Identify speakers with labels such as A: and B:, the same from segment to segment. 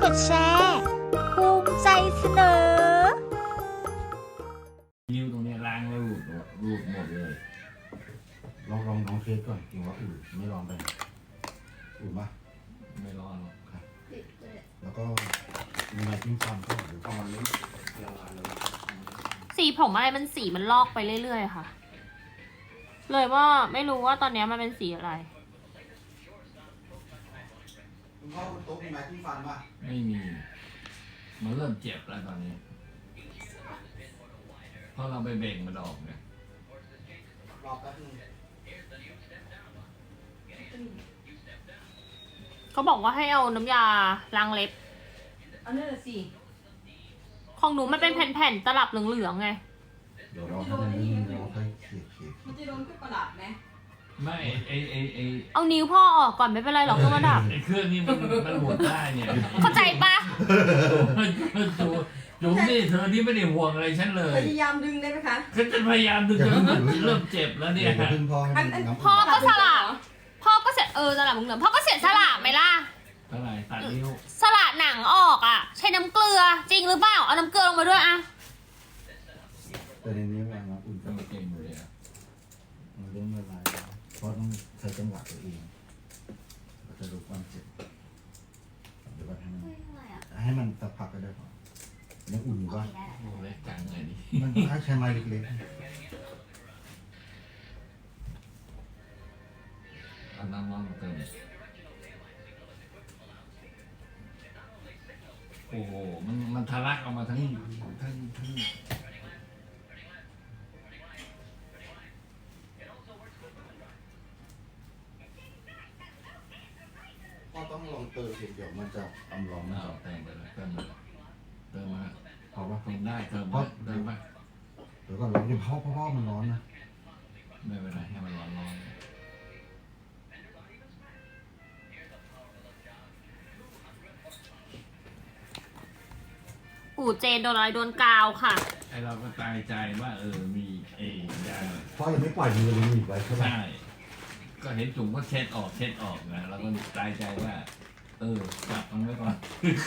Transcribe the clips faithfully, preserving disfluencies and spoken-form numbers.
A: ดแชร์ภูมิใจเสนอ
B: นิ้วตรงนี้ล้างแล้วรูดรูดหมดเลย
C: ลองลองลองเทสก่อนจริงว่าอืดไม่ลองไปอืดปะ
B: ไม่ร้อนหรอก
C: ครับแล้วก็มีอะไรทิ้งฟันก็หรือประมาณนี้ละลายเลย
D: สีผมอะไรมันสีมันลอกไปเรื่อยๆค่ะเลยว่าไม่รู้ว่าตอนนี้มันเป็นสีอะไร
C: คุณพ่อบนโต๊ะมีไม้ทิ้งฟันปะ
B: ไม่มีมันเริ่มเจ็บแล้วตอนนี้เพราะเราไปเบ่งมันออกเนี่ย
C: รอแป๊บนึง
D: เขาบอกว่าให้เอาน้ำยาล้างเล็บ
E: อันนั้นสิ
D: ของหนูมันเป็นแผ่นๆตลับเหลืองๆไง
C: เดี๋ยวเราให้มันนิ่มเราค่อยเขี่ยเขี่ย
E: มันจะโดนเครื่องประดับไหม
B: ไม่ไอไอไอ
D: เอานิ้วพ่อออกก่อนไม่เป็นไรหรอกเครื่องประดับ
B: ไอเครื่องนี้มันมันหมุนได้เนี่ย
D: เข้าใจปะ
B: จูจูนี่เธอที่ไม่ได้ห่วงอะไรฉันเลย
E: พยายามดึงได้ไหมคะ
B: ฉันจะพยายามดึงจนเริ่มเจ็บแล้วเนี่ย
D: พ่อก็สลับพ่อก็เสียเออสลับเหลืองพ่อก็เสียสลับไหมล่ะ
B: เท่าไหร่ตัดนิ้ว
D: สลัดหนังออกอ่ะใช้น้ำเกลือจริงหรือเปล่าเอาน้ำเกลือลงมาด้วยอ่ะ
C: แต่ในนี้วางน้ำอุ่น
B: ก็ไม่เก่งเลยอ่ะ
C: มันเริ่มละลายเพราะต้องใช้จังหวะตัวเองเราจะรู้ความเจ็บเดี๋ยวให้มันให้มันสักพักก็ได้พอยังอุ่นอยู่ป่ะ
B: โอ้ยกลางเลยนี่
C: มันถ้าใช้ไม้เล็กๆ
B: อันนั้นน้องเติมโอ้โหมันมันทะลักออกมาทั้งทั้งทั้ง
C: ก็ต้องลองเติมเดี๋ยวมันจะอำร้อน
B: เอาเติมไปเลยเติมไปเติมมาเพราะว่าเติมได้เติมมาเติมมา
C: เดี๋ยวก่อนเราเดี๋ยวเพราะเพราะมันร้อนนะ
B: ไม่เป็นไรให้มันร้อนร้อน
D: ปู่เจนโดนอะไรโดนกาวค่ะ
B: ไอเราก็ตายใจว่าเออมีเอยา
C: เพราะยังไม่ปล่อยมือเลยมีไว้ใช่ไหม
B: ใช่ก็เห็นจุ่มก็เช็ดออกเช็ดออกนะเราก็ตายใจว่าเออจับมันไว้ก่อน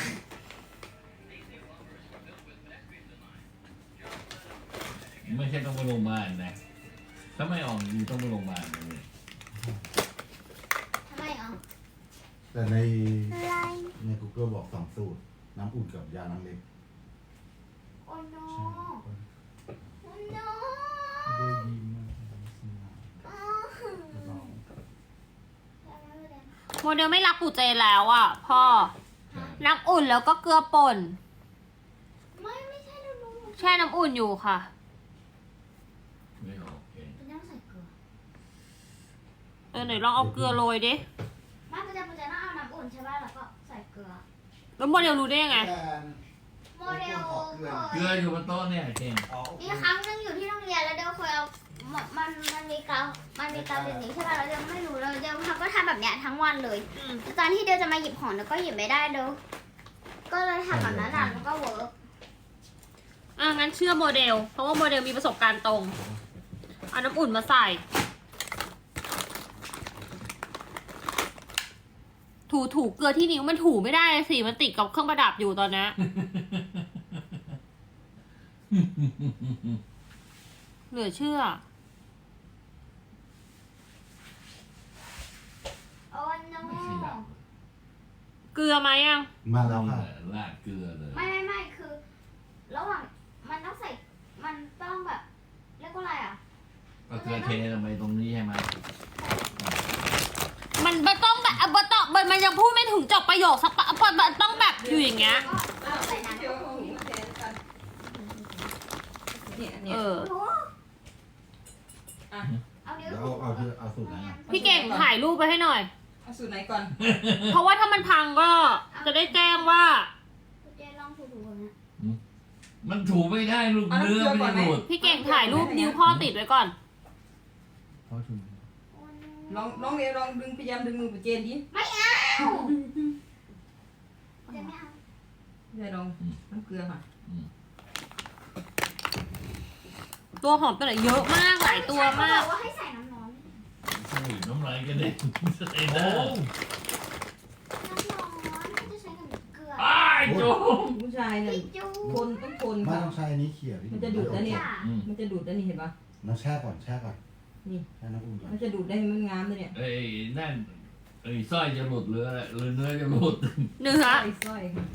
B: ไม่ใช่ต้องไปโรงพยาบาลนะถ้าไม่ออกอยู่ต้องไปโรงพยาบาลเลย
A: ทำไมอ่ะ
C: แต่ในใน Google บอกสองสูตรน้ำอุ่นกับยาน้ำเล็ก
A: โอ้โนโอ้โน
C: ได้ดีมาก
D: โมเดลไม่รักปู่เจนแล้วอ่ะพ่อน้ำอุ่นแล้วก็เกลือป่น
A: ไม่ไม่ใช่ดูดู
D: แช่น้ำอุ่นอยู่ค่ะ
B: ไม่โอเค
A: เป็นน้ำใส่เกลือ
D: เออไหนลองเอาเกลือโรยดิ
A: ไม่ปู่เจนปู่เจนต้องเอาน้ำอุ่นใช่ป่ะแล้วก็ใส่เกลือ
D: แล้วโมเดลรู้ได้ยังไง
A: โมเดล
B: เกลืออยู่บนโต๊ะเนี่ยเก่ง
A: มีครั้งนึงอยู่ที่โรงเรียนแล้วเดลเคยเอามันมันมีกาวมันมีกาวแบบนี้ใช่ป่ะแล้วเดลไม่รู้เลยเดลเขาก็ทำแบบเนี้ยทั้งวันเลยตอนที่เดลจะมาหยิบของเดลก็หยิบไม่ได้เดลก็เลยทำแบบนั้นแล้วก็เวิร์ก
D: อ่ะงั้นเชื่อโมเดลเพราะว่าโมเดลมีประสบการณ์ตรงเอาน้ำอุ่นมาใส่ถูถูเกลือที่นิ้วมันถูไม่ได้สิมันติดกับเครื่องประดับอยู่ตอนนี้เหลือเชื่อ
A: โอ้โน
D: เกลือไหมอ่ะ
C: มาแล้วค่ะ
B: ลาดเกลือเลย
A: ไม่ไม่ไม่คือระหว่างมันต้องใส่มันต้องแบบเรียกว่าอะไรอ่ะ
B: ก็เกลือเทลงไปตรงนี้ใช่ไหม
D: มันมันต้องแบบมันต้องมันยังพูดไม่ถึงจบประโยคสักปะมันต้องแบบอยู่อย่างเงี้ย
A: ใส่น้ำ
D: เออ
A: เอาเดี๋ยว
C: เอาเอาเอาสูตรไหน
D: พี่เก่งถ่ายรูปไปให้หน่อย
E: เอาสูตรไหนก่อน
D: เพราะว่าถ้ามันพังก็จะได้แจ้งว่า
A: เจลองถูๆนะ
B: มันถูไม่ได้ลูกเนื้อไม่หลุด
D: พี่เก่งถ่ายรูปนิ้วพ่อติดไว้ก่อน
E: ลองลองเรียนลองดึงพยายามดึงมือปู่เจนดิ
A: ไม่เอาจะไม่เอา
E: เดี๋ยวลองน้ำเกลือค่ะ
D: ตัวหอมตัวไหนเยอะมากหลายตัวมาก
A: ว่าให้ใส่น้ำร้อน
B: ใช่น้ำลายกันเด็กใส่ได้
A: น้ำร้อนจะใช้กับเกลือ
B: จุ๊บ
E: ผู้ชายเนี่ย
A: พี่จู
E: คนต้องคน
C: ไม่
E: ค่ะ
C: ต้องใช้อันนี้เขี่ยพี่
E: มันจะดูดนะเนี่ย
A: ค่ะ
B: อืม
E: มันจะดูดได้นี่เห็นปะ
C: น้ำแช่ก่อนแช่ก่อน
E: นี่
C: แช่น้ำอุ่นก่อน
E: มันจะดูดได้ให้มันงามเลยเนี่ย
B: เอ้ยนั่นเอ้ยสร้อยจะหลุดหรืออะไรหรือเนื้อจะหลุด
D: เนื้อ
E: สร้อยสร้อยค่ะ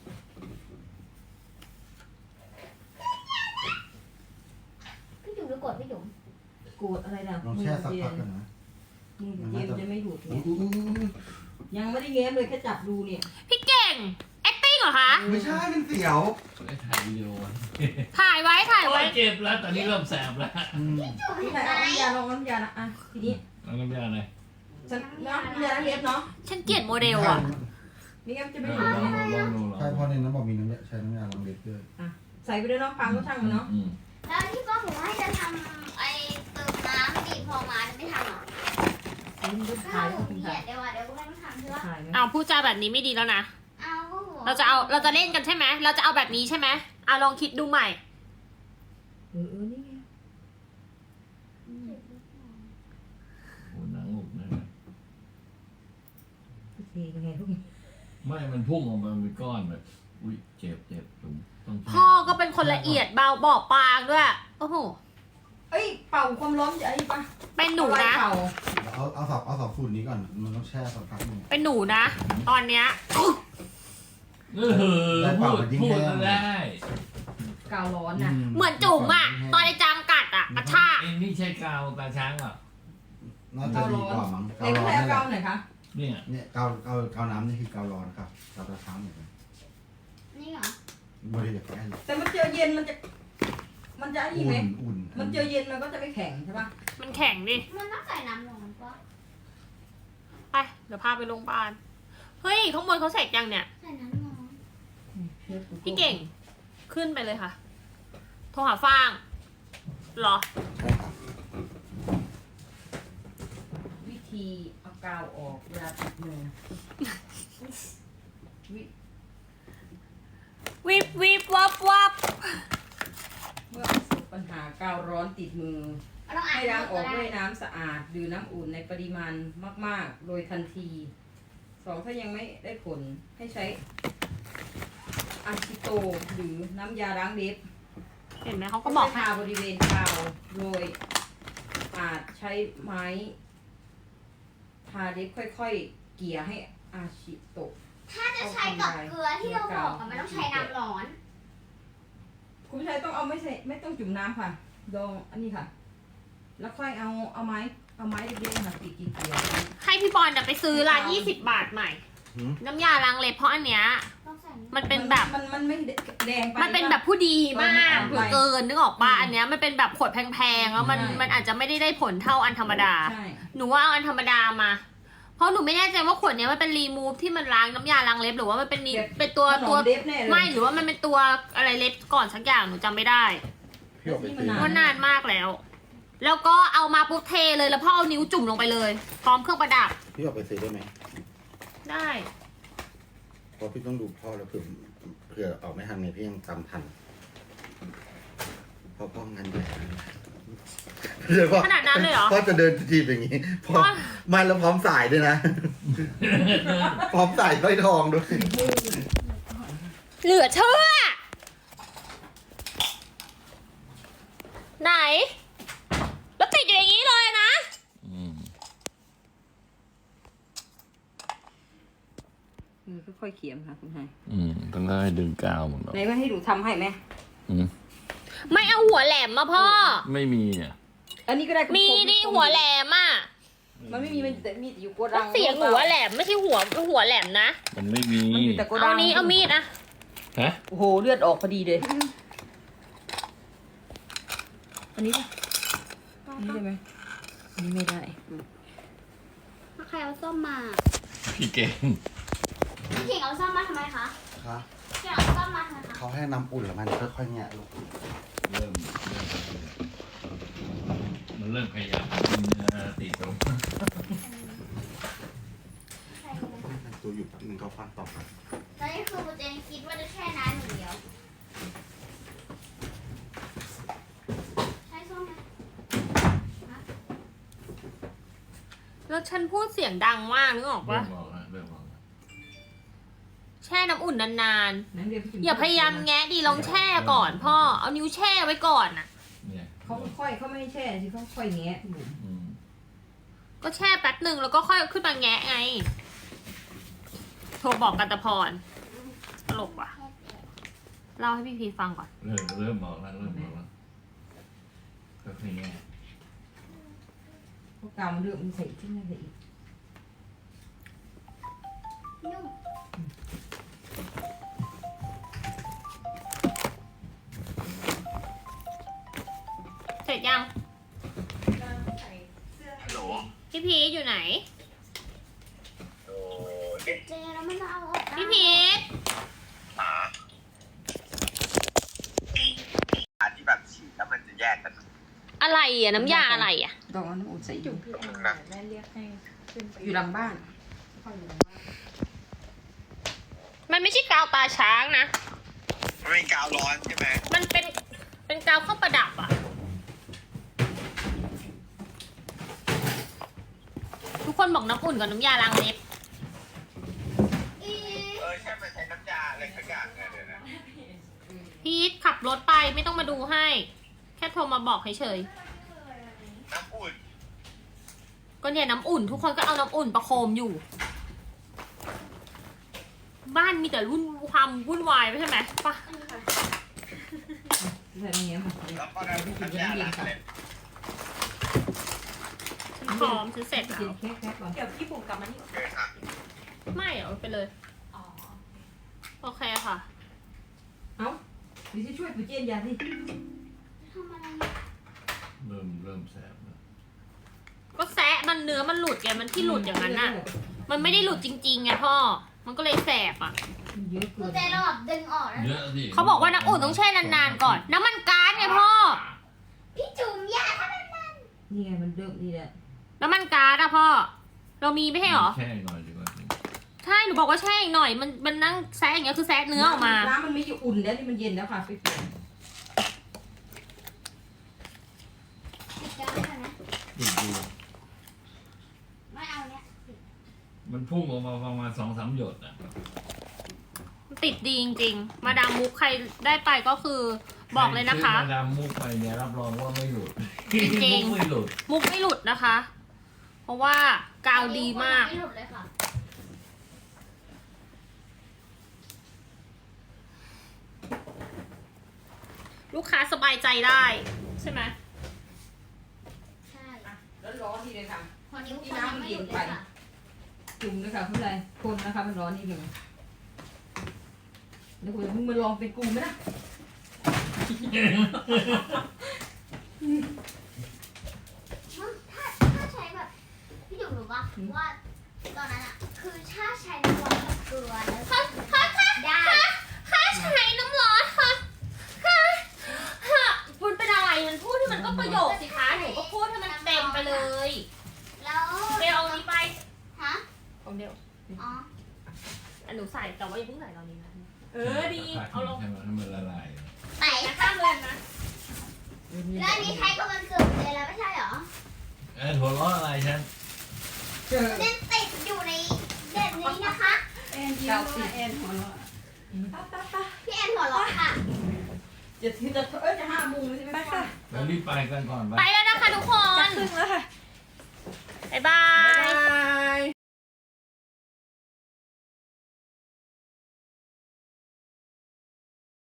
A: พี่จุ๋มดูกดพี่จุ๋ม
E: โกรธอะไรล่ะ
C: ลองแช่สักพักกันนะ
E: มือเกมจะไม่ดูด
C: อุ๊
E: เนี่ย
C: ยอุ๊ยอุ๊ยอุ๊ย
E: ยังไม่ได้เง้มเลยแค่จับดูเนี่ย
D: พี่เก่ง acting เหรอคะ
C: ไม่ใช่เป็นเสียว
B: ไอ้ถ่ายวิดีโอไว้
D: ถ่ายไว้ถ่าย
B: โอ้
D: ไว้
B: ยเจ็บแล้วตอนนี้เริ่มแสบแล้ว
C: อืม
A: จุ๋ม
E: พี่
A: เห็น
E: ชาย
A: ไหม
E: เอาน้ำยาลองน้ำยาละอ่ะทีนี้
B: เอาน้ำยาหน่อย
E: ฉันเนาะน้ำยาล้างเล็บเนาะ
D: ฉันเกลียดโมเดลอ่ะ
E: ไม่งั้นจะ
B: ล
E: ไม่
B: อง
E: ดูด
B: ลอง
E: เนี่ย
B: ลองดูลอง
C: ใช่เพราะในนั้นบอกมีน้ำยาใช้น้ำยาล้างเล็บด้วย
E: ใส่ไปด้วยเนาะพังก็ช่างมันเนาะ
B: อืม
A: แล้วที่ป้าบอกว่าจะทำไอ้เติมน้ำบีบพอมาจะไม่ทำหรอ
E: ใส่มันก็
A: ถ้า
E: ถ่าย
A: ห
E: แล้
A: นู
E: วคุณ
A: เกลี
E: ถ่าย ย
A: ดเดี๋ยวอ่ะเดี๋ยวก็ไม่ต้องทำใช่ปะ
E: ถ่ายไหม
D: เอาพูดจาแบบนี้ไม่ดีแล้วนะ
A: เอาก็หัว
D: เราจะเอาเราจะเล่นกันใช่ไหมเราจะเอาแบบนี้ใช่ไหมเอาลองคิดดูใหม่
E: เออเออนี่ไง
B: โอ้หนังหลุดนะ
E: โอเคยังไงพวกนี้
B: ไม่มันพุ่งออกมาเป็นก้อนแบบอุ้ยเจ็บเจ็บผมต้อง
D: พ่อก็เป็นคนละเอียดเบาบอบบางด้วย โอ้โห
E: เอ้ยเป่าความร้อนจะไอ้ปะ
D: เป็นหนูนะ
E: เป่า
C: เอาเอาสอบเอาสอบฝุ่นนี้ก่อนมันต้องแช่สักพักหนึง
D: เป็นหนูนะ ตอนเนี้ย
B: เออพูดพูดได้
E: กาวร้อนน่ะ
D: เหมือนจุ๋มอ่ะ ตอนไอ้จามกัดอ่ะกระชาก
B: ไอ้นี่ใช่กาวตาช้างเหรอ
C: น่าจะดีกว่ามั้ง
E: ไหน
C: เกา
E: ก็
C: ร้อน
E: ใช้
C: นี่แห
E: กา
C: ละ
E: วหน่อยคะ
B: เนี่ย
C: เนี่ยเกาเกาเกาน้ำนี่คือเการ้อนครับเกาตะช้างเหมือนกัน
A: นี่เหรอบ
C: ริเวณใกล้เลย
E: แต่มันเจอเย็นมันจะ มันจะไอ้นี่
C: อุ่
E: ไหม
C: นอุ่น
E: มันเจอเย็นมันก็จะไม่แข็งใช่ปะ
D: มันแข็งดิ
A: มันต้องใส่น้ำร้อนปะ
D: ไป เดี๋ยวพาไปโรงพยาบาล เฮ้ย ข้างบนเขาเสร็จยังเนี่ย
A: ใส่น้ำร้อน
D: พี่เก่ง ขึ้นไปเลยค่ะ โทรหาฟางเหรอ
C: ใช่ครับ
E: วิธีเอากาวออกเวลาติดมือวิ
D: วิบวิบวับวับ
E: เมื่อประสบปัญหากาวร้อนติดมือ
A: เราต้องอ่า
E: ให้
A: น
E: ล้างออก
A: ก็
E: ด้วย
A: ได้
E: น้ำสะอาดดื่มน้ำอุ่นในปริมาณมาก ๆ โดยทันที สองถ้ายังไม่ได้ผลให้ใช้อะซิโตหรือน้ำยาล้างเล็บ
D: เห็นไหมเขาก็บอก
E: ให้ทาบริเวณกาวโดยอาจใช้ไม้ทาเล็บค่อย ๆ เกี่ยให้อาชิโตะ
A: ถ้าจะใช้กับเกลือที่เราบอกอะมันต้องใช้น้ำร้อน
E: คุณผู้ชายต้องเอาไม่ใช่ไม่ต้องจุ่มน้ำค่ะดองอันนี้ค่ะ แล้วค่อยเอาเอาไม้เอาไม้เล็กๆค่ะตีกี่เกี่ยว
D: ให้พี่บอลน่ะไปซื้อร้านยี่สิบบาทใหม่
C: หืม
A: เ
D: น้ำยาล้างเล็บเพราะอันเนี้ย
A: ต้องใส่น้ำ
D: มันเป็นแบบ
E: มันมันไม่แดงไป
D: มันเป็นแบบผู้ดีมาก
E: เออมันอ่อนไป
D: เกินนึกออกปะ
E: อืม
D: อันเนี้ยมันเป็นแบบขวดแพงๆแล้วมัน
E: ใช่
D: มันอาจจะไม่ได้ได้ผลเท่าอันธรรมดา
E: ใช่
D: หนูว่าเอาอันธรรมดามา เพราะหนูไม่แน่ใจว่าขวดเนี้ยมันเป็นรีมูฟที่มันล้างน้ำยาล้างเล็บหรือว่ามันเป็นนี่เป็นตัว
E: ขน
D: ตัว
E: มเล็บแน่เลย
D: ไม่หรือว่ามันเป็นตัวอะไรเล็บก่อนสักอย่างหนูจำไม่ได้
C: พี่ออกไปซื้อ
E: อ่า
D: ว่านานมากแล้ว แล้วก็เอามาปุ๊บเทเลยแล้วพ่อเอานิ้วจุ่มลงไปเลย พร้อมเครื่องประดับ
C: พี่ออกไปซื้อได้ไหม
D: ได้
C: เพราะพี่ต้องดูพ่อแล้วเผื่อเผื่อออกไม่ทันไงพี่ยังตามทันเพราะพ่องานใหญ่เดี๋ยวพ่อ
D: ขนาดนั้นเลยเหรอ
C: พ่อจะเดินทีบอย่างนี้พ่อ
D: พ่อ
C: มาแล้วพร้อมสายด้วยนะ พร้อมสายสร้อยทองด้วย
D: เหลือเชื่อ ไหน แล้วติดอยู่อย่างนี้เลยนะ
B: อืม
E: เออค่อยๆเขียมค่ะคุณชาย
B: อืมต้องได้ดึงกาวหมดหรอก
E: ไหนว่าให้ดูทำให้ไหม
B: อืม
D: ไม่เอาหัวแหลมมาพ่อ
B: ไม่มีเนี่ย
E: อันนี้ก็ได้
D: มีดิหัวแหลมอ่ะ
E: มันไม่มีมันแต่มีแต่อยู่โกดั
D: แล้ว
E: ง
D: เสียงหัวแหลมไม่ใช่หัวหัวแหลมนะ
B: มันไม่มี
E: มันอยู่แต่โกดั
D: เอา
E: ง
D: นี้เอามีดอะ
B: ฮะ
E: โอ้โหเลือดออกพอดีเลยอันนี้ป่ะอันนี้ได้ไหมอันนี้ไม่ได้
A: ใครเอาส้มมา
B: พี่เก่ง
A: พี่เก่งเอาส้มมาทำไมคะ
C: คะ
A: พี่เก่งเอาส้มมาทำไมคะ
C: เขาให้น้ำอุ่นแล้วมันค่อยๆแงะลง
B: เริ่มเริ่มมันเริ่มขยับกินเนื้อติดตรง
A: ใส่เลย
C: ตัวอยู่แป๊บนึงเขาฟังต่อไป
A: ตอนนี้คือโปรเจนคิดว่าจะแช่น้ำอย่างเดียวใช้ส้มไหม
D: แล้วฉันพูดเสียงดังมากนึกออก
B: เริ่
D: ปะ
B: มบอกแล้วเริ่มบอกแล้ว
D: แช่น้ำอุ่นนาน
E: น้ำเดียวพี่จุ๋ม
D: ๆอย่าพยายามแงะดิลองแช่ก่อนพ่อเอานิ้วแช่ไว้ก่อนน่ะ
B: เนี่ย
E: เขาค่อยๆเขาไม่ให้แช่สิเขาค่อยแงะพี่จุ๋ม
B: อืม
D: ก็แช่แป๊บหนึ่งแล้วก็ค่อยขึ้นมาแงะไงโทรบอกกันตะพรตลกว่ะเล่าให้พี่พีฟังก่อน
B: เริ่มเริ่มบอกแล้วเริ่มบอกแล้วก็คือไง
E: พวกกาวมันเลือกมันใส่ที่นั่นใส่อีก
A: นุ่ม
D: เสร็จยัง
F: ฮัลโหล
D: พี่พีชอยู่ไหน
F: โอ้
A: เจแล้วมันจะเอาออกได้
D: พี่พีช
F: หาอันที่แบบฉีดแล้วมันจะแยกกัน
D: อะไรอ่ะน้ำยาอะไรอ่ะ
E: ดอกน้ำอุ่นใส่อยู่
F: นะ
E: อยู่หลังบ้านค่อยอยู่หลังบ้าน
D: มันไม่ใช่กาวตาช้างนะ
F: มันเป็นกาวร้อนใช่ไหม
D: มันเป็นเป็นกาวเครื่องประดับอ่ะ ทุกคนบอกน้ำอุ่นกับน้ำยาล้างเล็บ
A: อี
F: เออใช่มันใช้น้ำยาอะไรสักอย่างเนี่ยเดี๋ยวนะ
D: พีทขับรถไปไม่ต้องมาดูให้ แค่โทรมาบอกเฉย
F: น้ำอุ่น
D: ๆก็เนี่ยน้ำอุ่น ทุกคนก็เอาน้ำอุ่นประโคมอยู่ บ้านมีแต่รุ่นความวุ่นวายไม่ใช่ไหมปะ
E: ใส่ในเงี้ยมัน
F: แล้วก็น้ำยาล้างเล็บ
D: ฉันพร้อมฉันเสร็จแล้ว
E: กินแค่แค่ก่อน
G: เดี๋ยวพี่บุ๋มกลับมานี่
F: โอเคค่ะ
D: ไม่เอาไปเลย
G: อ๋อ
D: โอเคค่ะ
E: เอ้าเดี๋ยวจะช่วยปุ๋ยเจนยาสิ
A: ทำอะไร
B: เริ่มเริ่มแสบแล้ว
D: ก็แซะมันเนื้อมันหลุดไงมันที่หลุดอย่างนั้นน่ะ มันไม่ได้หลุดจริงๆไงพ่อ มันก็เลยแสบอ่ะ
E: มันเยอะ
A: กู
E: เกิน
A: เจเราแบบดึงออกแล้ว
B: เยอะสิ
D: เขาบอกว่าน้ำอุ่นต้องแช่นานๆก่อน น้ำมันก๊าซไงพ่อ
A: พี่จุ๋มยาทำไมมัน
E: นี่ไงมันเริ่มนี่แหละ
D: น้ำมันก๊าซอะพ่อ เรามีไม่ใช่เหรอ
B: แช่หน่อยดีกว่า
D: ใช่ หนูบอกว่าแช่อีกหน่อย มันมันนั่งแซะอย่างเงี้ยคือแซะเนื้อออกมา
E: น้ำมันไม่อยู่อุ่นแล้วนี่มันเย็นแล้วค่ะไปเปลี่ยน
A: ติดกันได้ไหม
B: ดูดู
A: ไม่เอาเนี้ย
B: มันพุ่งออกมาประมาณสองสามหยดอ่ะ
D: ติดดีจริงๆ มาดามมุกใครได้ไปก็คือบอกเลยนะคะ
B: ใรซื้อมาดามมุกไปเนี่ยรับรองว่าไม่หลุด
D: จริงๆ
B: มุกไม่หลุด
D: มุกไม่หลุดนะคะ เพราะว่ากาวดีมาก
A: ไม่หลุดเลยค่ะ
D: ลูกค้าสบายใจได้ ใช่ไหม
A: ใช่
E: แล้วร้อนทีเลยค่ะ
A: พอนิ้วคนยังไม่หลุดเลยค่ะ
E: จุ่มเลยค่ะคุณไรคนนะคะมันร้อนนิดหนึ่งแล้วคุณมึงมาลองเป็นกูไหมนะ
A: ถ้าถ้าใช้แบบพี่จุ๋มรู้ปะว่าตอนนั้นอะคือถ้าใช้น้ำร้อนกับเกลือแล้ว
D: ค่ะค่ะค่ะ
A: ได้
D: ค่ะใช้น้ำร้อนค่ะค่ะค่ะคุณเป็นอะไรมันพูดที่มันก็ประโยคสิคะหนูก็พูดให้มันเต็มไปเลย
A: แล้ว
D: เดี๋ยวเอาอันนี้ไป
A: ฮะ
D: ของเดียว
A: อ๋อ
D: อันหนูใส่แต่ว่าอย่าเพิ่งใส่ตอนนี้นะเออดีเอาลง
B: ให้มันให้มันละลาย
A: ไหน
D: แต่ข้ามเลยนะ
A: แล้วอันนี้ใช้กับมันเกิดเลยแล้วไม่ใช่เหรอ
B: เออหัวเราะอะไรฉัน
E: เจอ
A: เด่นติดอยู่ในเด่นนี้นะคะ
G: แอนยิ้มว่าแอนหัวเราะป้าป้าป้า
A: พี่แอนหัวเราะค่ะ
E: จะจะเอ้ยจะห้าโมงเลยใช่ไหม
G: ไปค่ะ
B: แล้วรีบไปกันก่อนไป
D: ไปแล้วนะคะทุกค
G: จะ
D: น
G: ครึ่งแล้วค่ะ
A: ไ